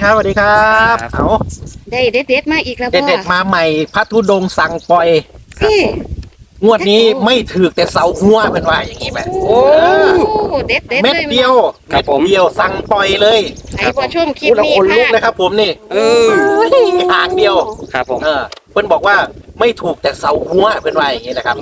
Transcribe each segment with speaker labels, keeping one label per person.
Speaker 1: ครับสวัสดีครับเอา
Speaker 2: ได้เด็ดๆมาอีกแล้ว
Speaker 1: เด็ดๆมาใหม่พระธุดงค์สั่งปล่อย
Speaker 2: พี่
Speaker 1: งวดนี้ไม่ถือแต่เสาหัวเป็นว่าอย่างนี้ไหม
Speaker 2: โอ้เด็ดๆ
Speaker 1: เม็ด
Speaker 2: เลย
Speaker 1: เดียว
Speaker 3: ครับผม
Speaker 1: เม็ดเดียวสั่งปล่อยเลย
Speaker 2: ใครพอชมคลิป
Speaker 1: พูดแล้ว
Speaker 2: นี้
Speaker 1: คนลุก
Speaker 2: ค่ะ
Speaker 1: เลยครับผมนี่ หางเดียว
Speaker 3: ครับผม
Speaker 1: เพิ่นบอกว่าไม่ถูกแต่เสาหัวเป็นว่าอย่างนี้นะครับ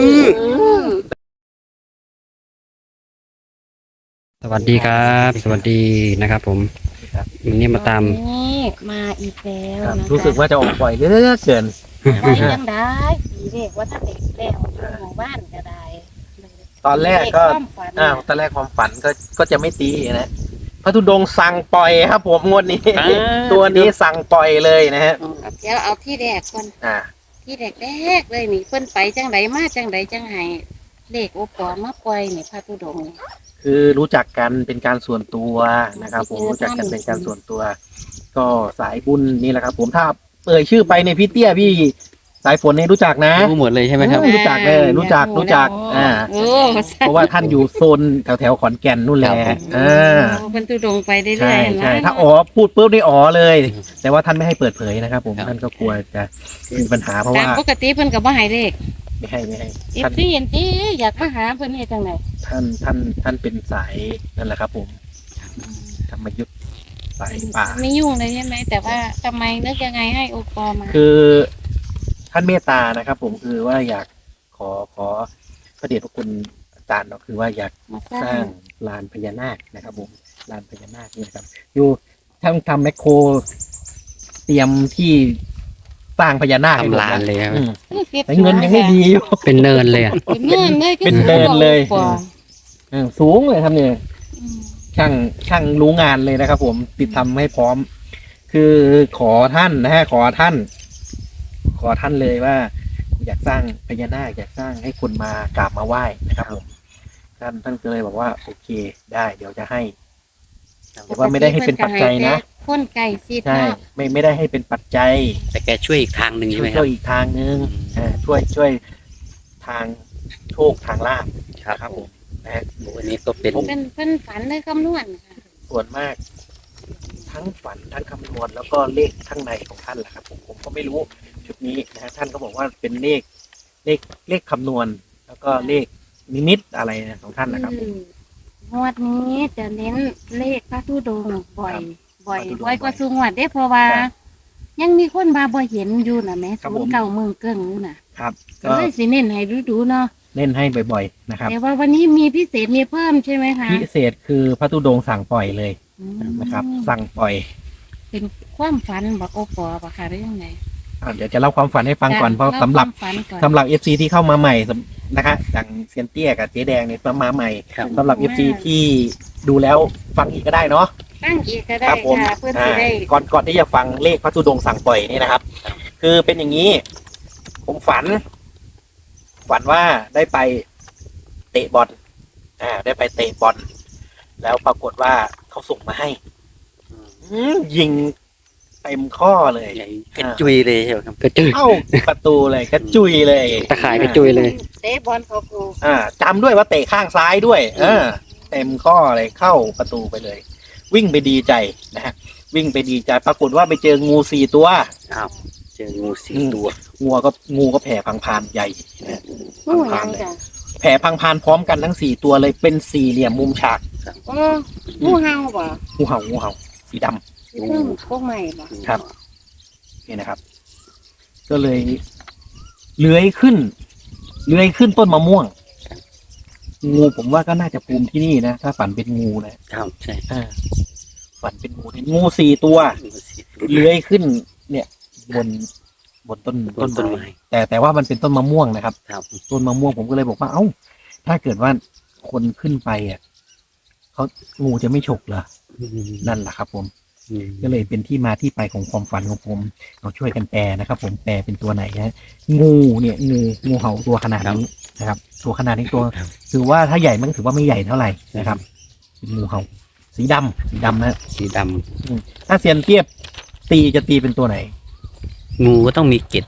Speaker 3: สวัสดีครับ สวัสดีนะครับผมวันนี้มาตาม
Speaker 2: นี่มาอีกแล้ว
Speaker 1: ครับ
Speaker 2: นะคะ
Speaker 1: รู้สึกว่าจะออกปล่อยเรื่อยๆเกิน
Speaker 2: ไปยังได้ผีเด็กว่าถ้าเด็กแล้วหมู่บ้านก็ได้
Speaker 1: ตอนแรกก็
Speaker 2: เด็ความฝัน
Speaker 1: ตอนแรกความฝันก็จะไม่ตีนะพระธุดงค์สั่งปล่อยครับผมงวดนี้ ตัวนี้สั่งปล่อยเลยนะฮะ
Speaker 2: เดี๋ยวเอาที่แรกก่อน
Speaker 1: อ่า
Speaker 2: ที่แรกเลยนี่เพิ่นไปจังไดมาจังไดจังไห้เลขโอปอมาปล่อยนี่พระธุดงค์นี่
Speaker 1: คือรู้จักกันเป็นการส่วนตัวนะครับ ผมรู้จักกันเป็นการส่วนตัว ก็สายบุญนี่แหละครับ ผมถ้าเอ่ยชื่อไปในยพี่เตี้ยพี่สายฝนเนี่ยรู้จักนะ
Speaker 3: รู้หมดเลยใช่ไหมครับ
Speaker 1: รู้จักเลยรู้จัก
Speaker 2: โอ้
Speaker 1: เพราะว่าท่านอยู่โซนแถวขอนแก่นนู่นแหละ
Speaker 3: ครับผม
Speaker 2: เพิ่นธุดงค์ไปเรื่อยๆ
Speaker 1: ใช่
Speaker 2: เห็นไหม
Speaker 1: ใช่ถ้าอ๋อพูดปุ๊บนี่อ๋อเลย แต่ว่าท่านไม่ให้เปิดเผยนะครับ ผมท่านก็กลัวจะมีปัญหาเพราะ
Speaker 2: ตา
Speaker 1: ว่าม
Speaker 2: ปกติเพิ่นก็บ่ให้เลข
Speaker 1: ไม่ให้
Speaker 2: อี
Speaker 1: ท่าน
Speaker 2: ที่เห็นที่อยากมาหาเพิ่นเฮ็ดจังได
Speaker 1: ท่านเป็นสายนั่นแหละครับ ผมธรรมยุทธสายป่า
Speaker 2: ไม่ยุ่งเลยใช่ไหมแต่ว่าทำไมนึกยังไงให้โอปอมา
Speaker 1: คือท่านเมตตานะครับ ผมคือว่าอยากขอพระเดชพระคุณอาจารย์เนาะคือว่าอยาก
Speaker 2: มาส
Speaker 1: ส
Speaker 2: ร้า
Speaker 1: ร้าง งลานพญานาคนะครับ ผมลานพญานาคนี่นะครับ อยู่ทำแมคโคร เตรียมที่สร้างพญานาคให้หมด
Speaker 3: ทำลานเลยครับ
Speaker 1: อืมแต่เงินยังไม่ดีอยู่
Speaker 3: เป็นเนินเลยอ่ะ
Speaker 2: เป็นเนินเลย
Speaker 1: เป็นเนินเลย
Speaker 2: โอปอ
Speaker 1: สูงเลยครับเนี่ย
Speaker 2: อืม
Speaker 1: ช่างรู้งานเลยนะครับ ผมติดทำให้พร้อม คือขอท่านนะฮะขอท่านเลยว่า อยากสร้างพญานาคอยากสร้างให้คนมากราบมาไหว้นะครับผมท่านก็เลยบอกว่าโอเคได้ เดี๋ยวจะให้ แต่ว่าไม่ได้ให้เป็นปัจจัยนะ
Speaker 2: คนไก่ซีด
Speaker 1: ใช่
Speaker 2: เนาะ
Speaker 1: ไม่ได้ให้เป็นปัจจัย
Speaker 3: แต่แกช่วยอีกทางหนึ่งใช่ไหมค
Speaker 1: ช่
Speaker 3: รั
Speaker 1: ว
Speaker 3: บ
Speaker 1: ยอีกทางนึงช่วยทางโชคทางลาภ
Speaker 3: ครับ
Speaker 1: ผมนะฮะ
Speaker 3: วันนี้ก็เป็น
Speaker 2: เป็นเพิ่นฝันเลยคำนวณค่ะ
Speaker 1: ส่วนมาก ทั้งฝันทั้งคำนวณแล้วก็เลขข้างในของท่านแหละครับ ผมก็ไม่รู้จุดนี้นะฮะท่านก็บอกว่าเป็นเลขคำนวณ แล้วก็เลขนิมิตอะไรนะของท่านนะครับผม
Speaker 2: งวดนี้จะเน้นเลขพระธุดงค์บ่อย
Speaker 1: พระธุดงค์
Speaker 2: บ่อยกว่าสุงวดเด้เพราะว่า
Speaker 1: ครับ
Speaker 2: ยังมีคนมาบ่เห็นอยู่น่ะแหม่
Speaker 1: ครับ
Speaker 2: ศู
Speaker 1: ผม
Speaker 2: นย์เก่าเมืองเกิ้งอยู่น่ะ
Speaker 1: ครับ
Speaker 2: ก็
Speaker 1: ก็
Speaker 2: เลยสิเน้นให้ดูๆเนาะ
Speaker 1: เล่นให้บ่อยๆนะครับ
Speaker 2: แต่ว่าวันนี้มีพิเศษมีเพิ่มใช่ไหมคะ
Speaker 1: พิเศษคือพระธุดงค์สั่งปล่อยเลย
Speaker 2: อืม
Speaker 1: นะครับ สั่งปล่อย
Speaker 2: เป็นความฝันบอกโอปอปะค่ะหรือยังไง
Speaker 1: เดี๋ยวจะเล่าความฝันให้ฟังก่อนเพราะสำหรับ
Speaker 2: เล่าความฝันก่อน
Speaker 1: สำหรับ FC ที่เข้ามาใหม่นะคะอย่างเซียนเตี้ยกับเจ๊แดงเนี่ยมาใหม่
Speaker 3: ครับ
Speaker 1: สำหรับ FC ที่ดูแล้วฟังอีกก็ได้เนาะ
Speaker 2: ตั้งอีกก็ได้
Speaker 1: ครับผม
Speaker 2: ค่ะเพื่อที่ได้
Speaker 1: ก่อนที่จะฟังเลขพระธุดงค์สั่งปล่อยนี่นะครับ คือเป็นอย่างนี้ ผมฝันว่าได้ไปเตะบอลได้ไปเตะบอลแล้วปรากฏว่าเขาส่งมาให้ยิงเต็มข้อเลย
Speaker 3: ใหญ่กระจุยเลยใช่ไหมครับกระจุย
Speaker 1: เข้าประตูเลยกระจุยเลย
Speaker 3: ตะข่ายกระจุยเลย
Speaker 2: เตะบอลเขากู
Speaker 1: จำด้วยว่าเตะข้างซ้ายด้วย เต็มข้อเลยเข้าประตูไปเลย วิ่งไปดีใจนะฮะวิ่งไปดีใจ ปรากฏว่าไปเจองู4 ตัว
Speaker 3: อ้าวเจองูสี่ตัว
Speaker 1: งูก็แผ่พังพานใหญ่นะ
Speaker 2: งูหยังจ้ะ
Speaker 1: แผ่พังพานพร้อมกันทั้ง4 ตัวเลยเป็นสี่เหลี่ยมมุมฉาก
Speaker 2: โอ้งูเห่าบ่
Speaker 1: งูเห่าสีดำ
Speaker 2: สิเพิ่งพวกใหม่บ่
Speaker 1: ครับ นี่นะครับ ก็เลยเลื้อยขึ้นต้นมะม่วง งูผมว่าก็น่าจะภูมิที่นี่นะถ้าฝันเป็นงูนะครับ
Speaker 3: ใช่
Speaker 1: ฝันเป็นงู4 ตัว
Speaker 3: งูสี่
Speaker 1: เลื้อยขึ้น เนี่ย บนต้น
Speaker 3: ต้นไม้
Speaker 1: แต่ว่ามันเป็นต้นมะม่วงนะครับ
Speaker 3: ครับ
Speaker 1: ต้นมะม่วงผมก็เลยบอกว่าเอ้า ถ้าเกิดว่าคนขึ้นไปเขางูจะไม่ฉกเหรอนั่นแหละครับ ผม ก็เลยเป็นที่มาที่ไปของความฝันของผมเราช่วยกันแปลนะครับ ผมแปลเป็นตัวไหนนะงูเนี่ยงูเห่าตัวขนาดนี้นะครับ ตัวขนาดนี้ตัว
Speaker 3: ครับ
Speaker 1: ถือว่าถ้าใหญ่มันถือว่าไม่ใหญ่เท่าไหร่นะครับเป็นงูเห่าสีดำนะ
Speaker 3: สีด
Speaker 1: ถ้าเซียนเทียบจะตีเป็นตัวไหน
Speaker 3: ำงูก็ต้องมีเกล็ด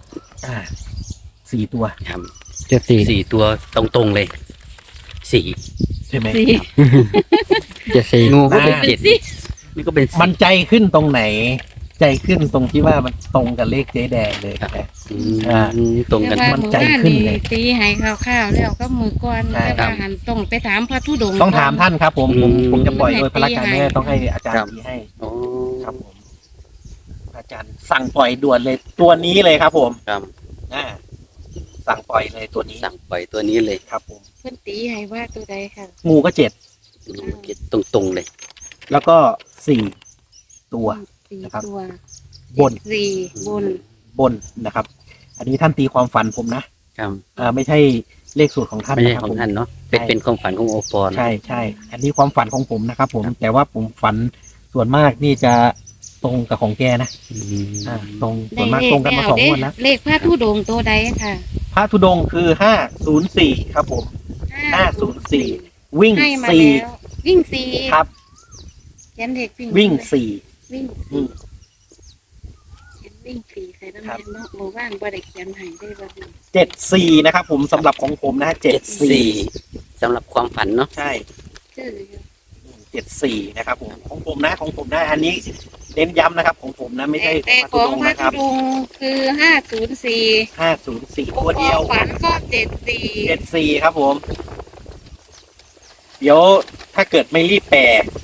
Speaker 1: 4 ตัว
Speaker 3: ครับ
Speaker 4: จะสี่
Speaker 3: สี่ตัวตรงๆเลยสี่
Speaker 1: ใช่ไหม
Speaker 2: สิ
Speaker 4: จะสี่
Speaker 3: งูก็เป็น
Speaker 2: เป็
Speaker 3: เจ็
Speaker 2: น
Speaker 3: ด
Speaker 2: สิ
Speaker 3: นี่ก็เป็น
Speaker 1: มันใจขึ้นตรงไหน ใจขึ้นตรงที่ว่ามันตรงกับเลขเจ๊แดงเลยนะ
Speaker 3: ตรงกัน
Speaker 2: แต่ว่า
Speaker 1: มันใจขึ้นเลย
Speaker 2: ตีให้ข้าวๆแล้วก็มือก่อน
Speaker 1: ใช่
Speaker 2: แต่ว่าหันตรงไปถามพระธุดงค์
Speaker 1: ต้องถามท่านครับผมจะปล่อยโดยพระการ
Speaker 2: ให้
Speaker 1: แม่ต้องให้อาจารย์ตีให้
Speaker 3: โอ้
Speaker 1: ครับผมอาจารย์สั่งปล่อยด่วนเลยตัวนี้เลยครับผม
Speaker 3: ครับ
Speaker 1: อ่าสั่งปล่อยเลยตัวนี้
Speaker 3: สั่งปล่อยตัวนี้เลย
Speaker 1: ครับผม
Speaker 2: เพิ่นตีให้ว่าตัวใดค่ะ
Speaker 1: งูก็7
Speaker 3: ตรงๆเลย
Speaker 1: แล้วก็4ตัว
Speaker 2: สี่
Speaker 1: นะครับ
Speaker 2: ตัว
Speaker 1: บน
Speaker 2: สี่บน
Speaker 1: บนนะครับ อันนี้ท่านตีความฝันผมนะครับ ไม่ใช่เลขสูตรของท่าน
Speaker 3: ไม่ใช่
Speaker 1: นะครับ
Speaker 3: ของ
Speaker 1: ผม
Speaker 3: ท่านเนาะเป็นความฝันของโอปอนะ
Speaker 1: ใช่ อันนี้ความฝันของผมนะครับ ผมแต่ว่าผมฝันส่วนมากนี่จะตรงกับของแกนะ
Speaker 3: อืม
Speaker 1: ตรงส่วนมากตรงกันมา2 งวดแล้ว
Speaker 2: เลขพระธุดงค์ตัวใดค่ะ
Speaker 1: พระธุดงค์คือ504ครับผม 504 วิ่ง
Speaker 2: ให้มา
Speaker 1: สี่
Speaker 2: แล้ววิ่งสี่
Speaker 1: ครับ
Speaker 2: เขียนเด็กวิ่ง
Speaker 1: วิ่ง
Speaker 2: วิ่ง
Speaker 1: อืม
Speaker 2: เขียนวิ่งสี่ใส่น้ำ
Speaker 1: ครั
Speaker 2: แด
Speaker 1: บ
Speaker 2: งเนาะหมู่บ้านบ่ได้เขียนให้ได้บ่ดี
Speaker 1: 74นะครับ ผมสำหรับของผมนะ74
Speaker 3: สำหรับความฝันเนาะ
Speaker 1: ใช่
Speaker 2: ชื่ออยู่
Speaker 1: 74นะครับผมของผมนะอันนี้เน้นย้ำนะครับ ของผมนะไม่ใช่
Speaker 2: แต่
Speaker 1: พระ
Speaker 2: ข
Speaker 1: ธุ
Speaker 2: อง
Speaker 1: ดงค์
Speaker 2: พระ
Speaker 1: นะค
Speaker 2: ธุ
Speaker 1: รับ
Speaker 2: ดงค์คือ504
Speaker 1: 504ตัวเดียว
Speaker 2: ฝันก็74
Speaker 1: 74ครับผม เดี๋ยวถ้าเกิดไม่รีบแปล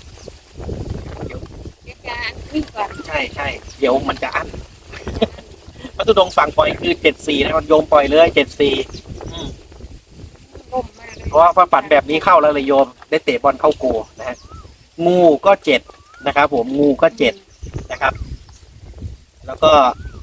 Speaker 2: เดี๋ยวจะวิ่งก่อน
Speaker 1: ใช่เดี๋ยวมันจะอั้น พระธุดงค์สั่งปล่อยคือ74นะครับโยมปล่อยเลย74
Speaker 2: ล่มมากเลย
Speaker 1: เพราะว่าพระฝันแบบนี้เข้าแล้วเลยโยม ได้เตะบอลเข้าโกนะฮะงูก็7นะครับ ผมงูก็7นะครับ แล้วก็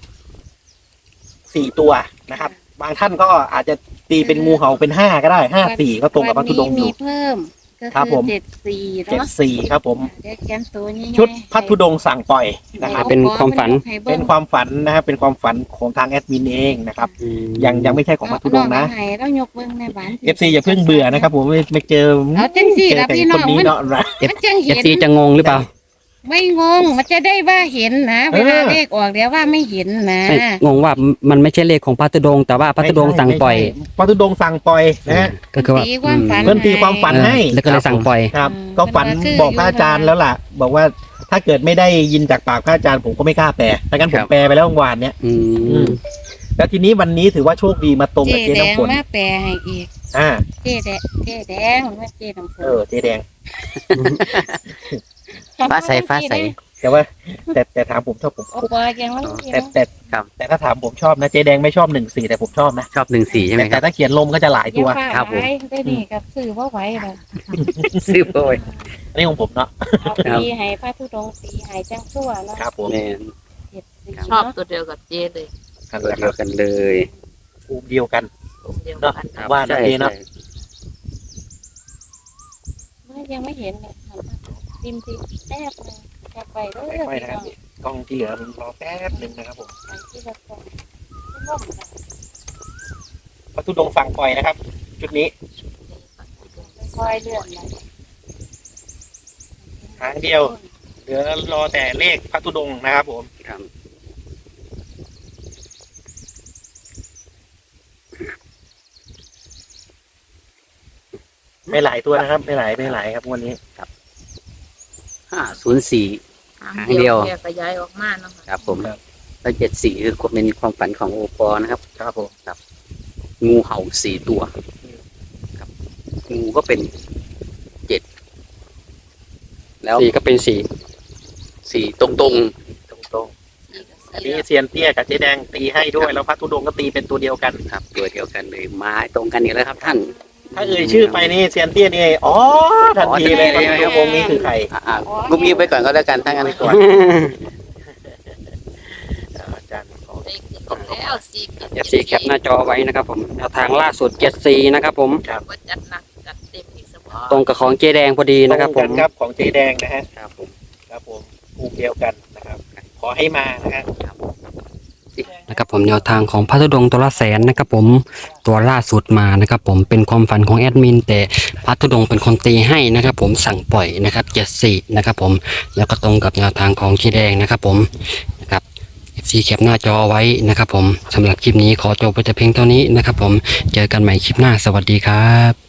Speaker 1: 4ตัวนะครับ บางท่านก็อาจจะตีเป็นงูเห่าเป็น5ก็ได้54ก็ตรงกับพระธุดงค์อ
Speaker 2: วันนี้
Speaker 1: ยู่
Speaker 2: มีเพิ่มก็
Speaker 1: ครับ
Speaker 2: คื
Speaker 1: ผ
Speaker 2: อ
Speaker 1: ม
Speaker 2: 74เนาะ
Speaker 1: 74ครับผม
Speaker 2: เดี๋ยวเขียนตัวนี้
Speaker 1: ชุดพระธุดงค์สั่งปล่อยนะครับ
Speaker 3: เป็นความฝัน
Speaker 1: เป็นความฝันนะครับเป็นความฝันของทางแอดมินเองนะครับ ยังไม่ใช่ของพระธุดงค์นะ
Speaker 2: ให้เรายกเบิ่งในบ้าน
Speaker 1: FC อย่าเพิ่งเบื่อนะครับ ผมไม่เจอ
Speaker 2: เอาจังสิล่ะ
Speaker 1: แต่
Speaker 2: พี่
Speaker 1: ค
Speaker 2: น้อน ง
Speaker 1: นี้เนาะนะ
Speaker 2: มันจัง
Speaker 3: เอ
Speaker 2: เห็
Speaker 3: ฟ
Speaker 2: น
Speaker 3: ซีจะงงหรือเปล่า
Speaker 2: ไม่งงมันจะได้ว่าเห็นนะเวลาเลขออกเดี๋ยวว่าไม่เห็นนะ
Speaker 3: ไม่งงว่ามันไม่ใช่เลขของพระธุดงค์แต่ว่าพระธุดงค์สั่งปล่อย
Speaker 1: ไม่ใช่พระธุดงค์สั่งปล่อยนะฮะ
Speaker 3: ก็คือว่า
Speaker 2: ตีความฝัน
Speaker 1: เพิ่นตีความฝันให้
Speaker 3: แล้วก็เลยสั่งปล่อย
Speaker 1: ครับ
Speaker 2: อืม
Speaker 1: ก็ฝัน
Speaker 2: มันก็คือ
Speaker 1: บอกพระอาจารย์แล้วล่ะ บอกว่าถ้าเกิดไม่ได้ยินจากปากพระอาจารย์ผมก็ไม่กล้าแปลถ้างั้นผมแปลไปแล้วเมื่อวานเนี้ย
Speaker 3: อืม
Speaker 1: แล้วทีนี้วันนี้ถือว่าโชคดีมาตรง
Speaker 2: เจ
Speaker 1: กับเจ๊
Speaker 2: แดง
Speaker 1: น้ำฝน
Speaker 2: มาแปลให้อีก
Speaker 1: อ่า
Speaker 2: เจแดงมาเจน้ำฝน
Speaker 1: เจ๊แดง
Speaker 3: ฟ้าใสฟ้าใส
Speaker 1: แต่ว่าแต่ถามผมชอบผม
Speaker 2: โอ้ปอยังมัน
Speaker 1: แต่
Speaker 3: ครับ
Speaker 1: แต่ถ้าถามผมชอบนะเจ๊แดงไม่ชอบ14แต่ผมชอบนะ
Speaker 3: ชอบ14ใช่ไหมค
Speaker 1: แต่
Speaker 3: รับ
Speaker 1: ถ้าเขียนลมก็จะหลายตัว
Speaker 3: ครับผม
Speaker 2: ได้นี่กับซื้อว่าไหวเลย
Speaker 3: ซื้อโอย
Speaker 1: อันนี้ของผมเนาะ
Speaker 2: เอาตีให้พระธุดงค์ตีให้จังชั่วเนาะ
Speaker 1: ครับผม
Speaker 3: แม่น
Speaker 2: 74
Speaker 4: ชอบ
Speaker 2: เนาะ
Speaker 4: ตัวเดียวกับเจเลย
Speaker 1: นั่น
Speaker 3: ตัว
Speaker 1: แหละค
Speaker 3: เดี
Speaker 1: รั
Speaker 3: ย
Speaker 1: บ
Speaker 3: วกันเลย
Speaker 1: ภูมิเดียวกัน
Speaker 4: ตัวเดียว
Speaker 1: เนาะ
Speaker 4: กัน
Speaker 1: ว่านะเจ๊เนาะ
Speaker 2: ยังไม่เห็นเลยติมติแทบเลยแทบไปเรื่อย
Speaker 1: ค่อยๆนะครับกล้องที่เหลือรอแป๊บหนึ่งนะครับผม
Speaker 2: ไปที่ละคนล่มกัน
Speaker 1: พระธุดงค์สั่งปล่อยนะครับ จุดนี้
Speaker 2: ค่อยเลื่อนไป
Speaker 1: หางเดียว เหลือรอแต่เลขพระธุดงค์นะครับผม
Speaker 3: ครับ
Speaker 1: ไม่หลายตัวนะครับ ไม่หลายครับวันนี้
Speaker 3: 504
Speaker 4: หาง
Speaker 3: หางเดี
Speaker 4: เดี
Speaker 3: ย
Speaker 4: ยว วแยกขยายออกมาเนาะ
Speaker 3: ครับผมแล้ว74คือเป็นความฝันของโอปอนะครับ
Speaker 1: ครับผม
Speaker 3: งูเห่า4ตัวครับงูก็เป็น7แล้ว4ก็เป็น4ตรง
Speaker 1: ตรงๆอันนี้เซียนเตี้ยกับเจ๊แดงตีให้ด้วยแล้วพระธุดงค์ก็ตีเป็นตัวเดียวกัน
Speaker 3: ๆครับตัวเดียวกันเลยมาตรงกันอีกแล้วครับท่าน
Speaker 1: ถ้าเอ่ยชื่อไปนี่เซียนเตี้ยนี่อ๋อทันทีเลยพระธุดงค์นี้คือใคร
Speaker 3: กุมยิ้มไปก่อนก็แล้วกันทั้งนั้นก่อน
Speaker 1: อาจารย์ขอ
Speaker 4: ได้ขึ้นแล้วสี่กิน
Speaker 3: FC แคปหน้าจอไว้นะครับผมแนวทางล่าสุด74นะครับผม
Speaker 4: ว่าจัดหนักจัดเต็มอีกสมอ
Speaker 3: ตรงกับของเจแดงพอดีนะครับ
Speaker 1: ต
Speaker 3: ผ
Speaker 1: รง
Speaker 3: ม
Speaker 1: กันครับของเจ๊แดงนะฮะ
Speaker 3: ครับผม
Speaker 1: ครับผมภูมิเดียวกันนะครับ ขอให้มานะฮะ
Speaker 3: นะครับผมแนวทางของพระธุดงค์ตัวละแสนนะครับผมตัวล่าสุดมานะครับผมเป็นความฝันของแอดมินแต่พระธุดงค์เป็นคนตีให้นะครับผมสั่งปล่อยนะครับ74นะครับผมแล้วก็ตรงกับแนวทางของเจแดงนะครับผมนะครับ FC แคปหน้าจอไว้นะครับผมสำหรับคลิปนี้ขอจบไปแต่เพียงเท่านี้นะครับผมเจอกันใหม่คลิปหน้าสวัสดีครับ